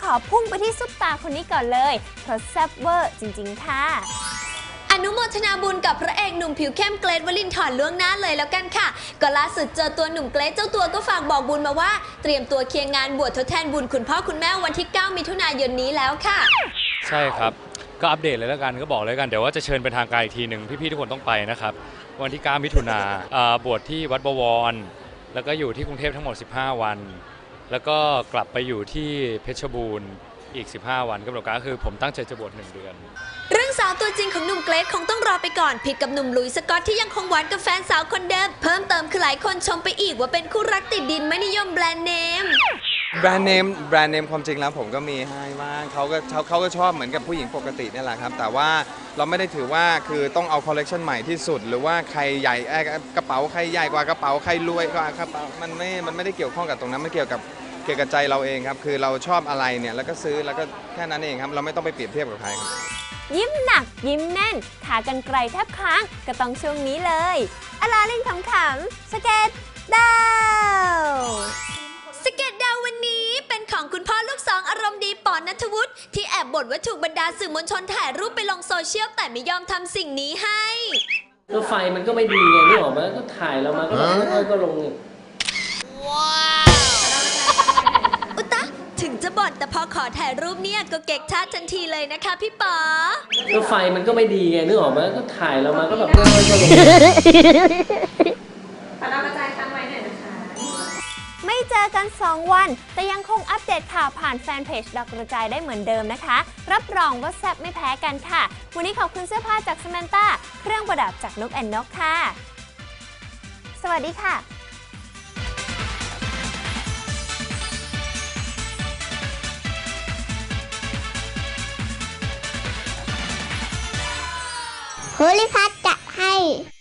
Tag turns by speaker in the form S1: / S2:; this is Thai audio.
S1: อพุ่งไปที่ซุปตาคนนี้ก่อนเลยเพราะแซ่บเวอร์จริงๆค่ะ
S2: อนุโมทนาบุญกับพระเอกหนุ่มผิวเข้มเกรท วลินทร์ล่วงหน้าเลยแล้วกันค่ะก็ล่าสุดเจอตัวหนุ่มเกรทเจ้าตัวก็ฝากบอกบุญมาว่าเตรียมตัวเคลียร์งานบวชทดแทนบุญคุณพ่อคุณแม่วันที่ 9 มิถุนายนนี้แล้วค่ะ
S3: ใช่ครับก็อัปเดตเลยแล้วกันก็บอกเลยกันเดี๋ยวว่าจะเชิญเป็นทางการอีกทีหนึ่งพี่ๆทุกคนต้องไปนะครับวันที่ 9 มิถุนาบวชที่วัดบวรแล้วก็อยู่ที่กรุงเทพทั้งหมด15 วันแล้วก็กลับไปอยู่ที่เพชรบูรณ์อีก15 วันกำหนดการคือผมตั้งใจจะบวช1 เดือน
S2: เรื่องสาวตัวจริงของหนุ่มเกรทคงต้องรอไปก่อนผิดกับหนุ่มหลุยส์สกอตที่ยังคงหวานกับแฟนสาวคนเดิมเพิ่มเติมคือหลายคนชมไปอีกว่าเป็นคู่รักติดดินไม่นิยมแบรนด์เนม
S4: แบรนด์เนมความจริงแล้วผมก็มีให้บ้างเขาก็ชอบเหมือนกับผู้หญิงปกตินี่แหละครับแต่ว่าเราไม่ได้ถือว่าคือต้องเอาคอลเลกชันใหม่ที่สุดหรือว่าใครใหญ่กระเป๋าใครใหญ่กว่ากระเป๋าใครรวยกว่ากระเป๋ามันไม่ได้เกี่ยวข้องกับตรงนั้นมันเกี่ยวกับใจเราเองครับคือเราชอบอะไรเนี่ยแล้วก็ซื้อแล้วก็แค่นั้นเองครับเราไม่ต้องไปเปรียบเทียบกับใครครับ
S1: ยิ้มหนักยิ้มแน่นขากรรไกรแทบค้างก็ต้องช่วงนี้เลยอลาเล่นขำๆสเก็ตดาว
S2: สเก็ตดาววันนี้เป็นของคุณพ่อลูกสองอารมณ์ดีปอนณัฐวุฒิที่แอบบ่นว่าถูกบรรดาสื่อมวลชนถ่ายรูปไปลงโซเชียลแต่ไม่ยอมทำสิ่งนี้ให้
S5: ก็ไฟมันก็ไม่ดีไงนี่ออกมาก็ถ่ายเรามาก็ลง
S2: ว้าวอุตะถึงจะบ่นแต่พอขอถ่ายรูปเนี่ยก็เก๊กชาติทันทีเลยนะคะพี่ป๋อ
S5: ก็ไฟมันก็ไม่ดีไงนึกออกมาก็ถ่ายเรามาก็แบบก็ลง
S1: ไม่เจอกัน 2 วันแต่ยังคงอัปเดตข่าวผ่านแฟนเพจดอกกระจายได้เหมือนเดิมนะคะรับรองว่าแซ่บไม่แพ้กันค่ะวันนี้ขอบคุณเสื้อผ้าจาก Samantha เครื่องประดับจากนกแอนนกค่ะสวัสดีค่ะ
S6: ภูริพัฒน์จะให้